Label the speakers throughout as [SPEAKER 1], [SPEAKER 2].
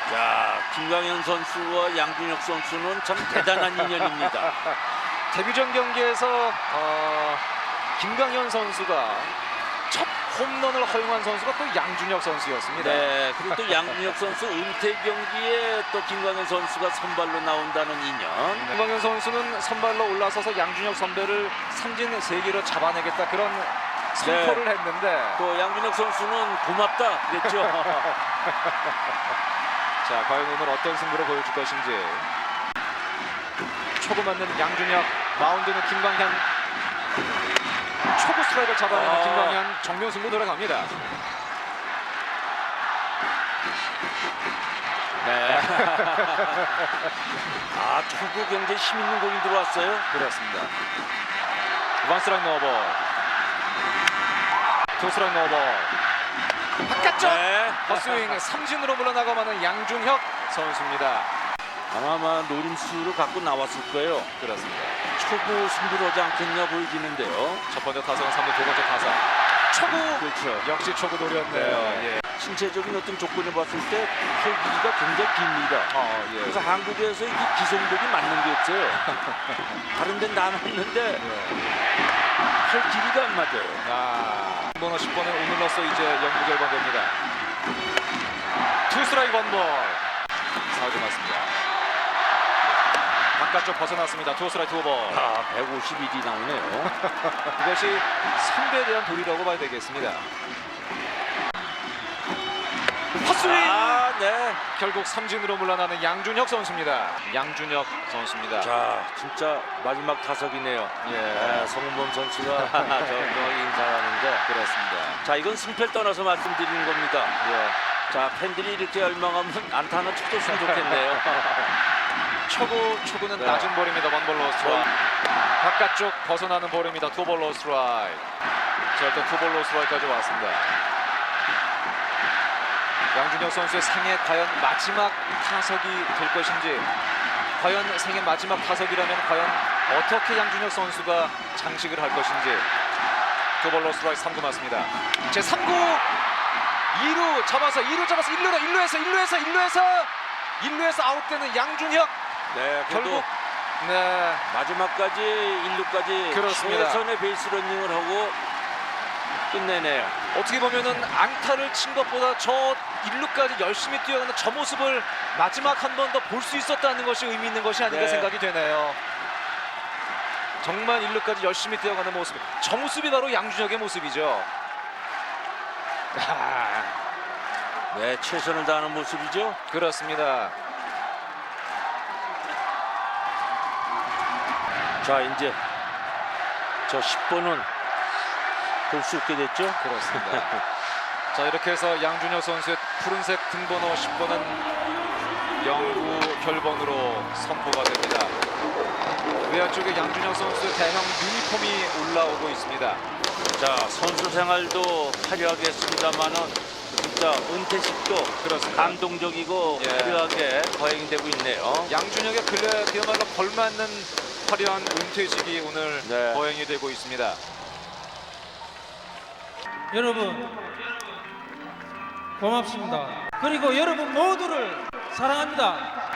[SPEAKER 1] 자, 김광현 선수와 양준혁 선수는 참 대단한 인연입니다.
[SPEAKER 2] 데뷔전 경기에서 김광현 선수가 첫 홈런을 허용한 선수가 또 양준혁 선수였습니다.
[SPEAKER 1] 네, 그리고 또 양준혁 선수 은퇴 경기에 또 김광현 선수가 선발로 나온다는 인연.
[SPEAKER 2] 김광현 선수는 선발로 올라서서 양준혁 선배를 삼진 3개로 잡아내겠다 그런 선포를 했는데
[SPEAKER 1] 또 양준혁 선수는 고맙다 그랬죠.
[SPEAKER 2] 자, 과연 오늘 어떤 승부를 보여줄 것인지. 초구 맞는 양준혁, 마운드는 김광현. 초구 스트라이크를 잡아내는 김광현, 정면 승부 들어갑니다.
[SPEAKER 1] 네. 아, 초구 굉장히 힘 있는 공이 들어왔어요.
[SPEAKER 2] 그렇습니다. 원 스트라이크 노볼, 투 스트라이크 노볼. 바깥쪽
[SPEAKER 1] 네.
[SPEAKER 2] 헛스윙 삼진으로 물러나가마는 양준혁 선수입니다.
[SPEAKER 1] 아마 노림수로 갖고 나왔을 거예요.
[SPEAKER 2] 그렇습니다.
[SPEAKER 1] 초구 승부하지 않겠냐 보이지는데요.
[SPEAKER 2] 첫 번째 타석은 3루, 두 번째 타석. 초구!
[SPEAKER 1] 그렇죠.
[SPEAKER 2] 역시 초구 노렸네요. 예.
[SPEAKER 1] 신체적인 어떤 조건을 봤을 때 팔 길이가 굉장히 깁니다.
[SPEAKER 2] 예.
[SPEAKER 1] 그래서 한국에서 이 기성복이 맞는 게 없어요. 다른 데는 다 맞는데 팔 길이가 안 맞아요.
[SPEAKER 2] 번호 10번은 오늘로써 이제 영구 결번됩니다. 투 스트라이크 원볼. 사우드 맞습니다. 바깥쪽 벗어났습니다. 투 스트라이크 투볼.
[SPEAKER 1] 151이 나오네요.
[SPEAKER 2] 이것이 선배에 대한 도리라고 봐야 되겠습니다. 헛스윙!
[SPEAKER 1] 네.
[SPEAKER 2] 결국 삼진으로 물러나는 양준혁 선수입니다. 양준혁 선수입니다.
[SPEAKER 1] 자, 진짜 마지막 타석이네요. 네, 성훈범 선수가 정확히 인사하는데
[SPEAKER 2] 그렇습니다.
[SPEAKER 1] 자, 이건 승패를 떠나서 말씀드리는 겁니다. 자, 팬들이 이렇게 열망하면 안타 하나 쳐줬으면 좋겠네요.
[SPEAKER 2] 초구는 낮은 볼입니다. 원볼 로스트라이크. 바깥쪽 벗어나는 볼입니다. 투볼 로스트라이크. 자, 일단 투볼 로스트라이크까지 왔습니다. 양준혁 선수의 생애 과연 마지막 타석이 될 것인지, 과연 생애 마지막 타석이라면 과연 어떻게 양준혁 선수가 장식을 할 것인지. 투볼 로스트라이크 3구 맞습니다. 제 3구 2루 잡아서 1루에서 아웃되는 양준혁.
[SPEAKER 1] 네,
[SPEAKER 2] 결국
[SPEAKER 1] 마지막까지 1루까지
[SPEAKER 2] 그렇습니다.
[SPEAKER 1] 최선의 베이스 러닝을 하고 끝내네요.
[SPEAKER 2] 어떻게 보면은 안타를 친 것보다 저 1루까지 열심히 뛰어가는 저 모습을 마지막 한 번 더 볼 수 있었다는 것이 의미 있는 것이 아닌가 생각이 되네요. 정말 1루까지 열심히 뛰어가는 모습, 저 모습이 바로 양준혁의 모습이죠.
[SPEAKER 1] 네, 최선을 다하는 모습이죠.
[SPEAKER 2] 그렇습니다.
[SPEAKER 1] 자, 이제 저 10번은 볼 수 있게 됐죠.
[SPEAKER 2] 그렇습니다. 자, 이렇게 해서 양준혁 선수의 푸른색 등번호 10번은 영구 결번으로 선포가 됩니다. 외야 쪽에 양준혁 선수의 대형 유니폼이 올라오고 있습니다.
[SPEAKER 1] 자, 선수 생활도 화려하게 했습니다만은 진짜 은퇴식도
[SPEAKER 2] 그렇습니다.
[SPEAKER 1] 감동적이고 화려하게 거행되고 있네요.
[SPEAKER 2] 양준혁의 근래 그야말로 걸맞는 화려한 은퇴식이 오늘 거행이 되고 있습니다.
[SPEAKER 3] 여러분 고맙습니다. 그리고 여러분 모두를 사랑합니다.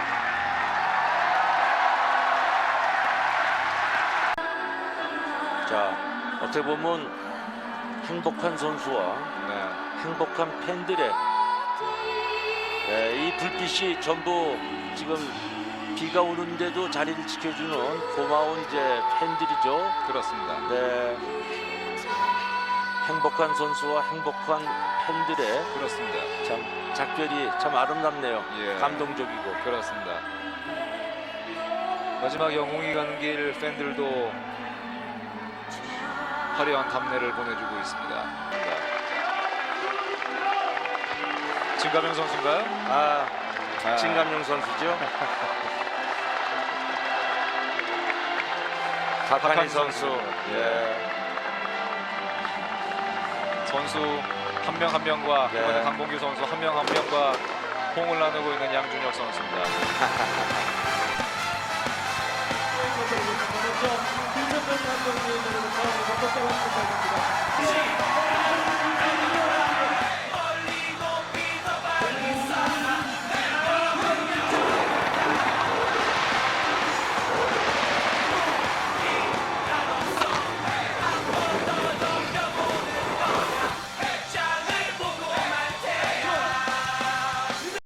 [SPEAKER 1] 자, 어떻게 보면 행복한 선수와 행복한 팬들의 이 불빛이 전부 지금 비가 오는데도 자리를 지켜주는 고마운 이제 팬들이죠.
[SPEAKER 2] 그렇습니다.
[SPEAKER 1] 네, 행복한 선수와 행복한 팬들의
[SPEAKER 2] 그렇습니다.
[SPEAKER 1] 참 작별이 참 아름답네요.
[SPEAKER 2] 예.
[SPEAKER 1] 감동적이고.
[SPEAKER 2] 그렇습니다. 마지막 영웅이 가는 길 팬들도 화려한 답례를 보내주고 있습니다. 진가명 선수인가요?
[SPEAKER 1] 진감용 선수죠.
[SPEAKER 2] 박한희
[SPEAKER 1] 선수.
[SPEAKER 2] 선수 한 명 한 명과 이번에 강봉규 선수 한 명 한 명과 호응을 나누고 있는 양준혁 선수입니다.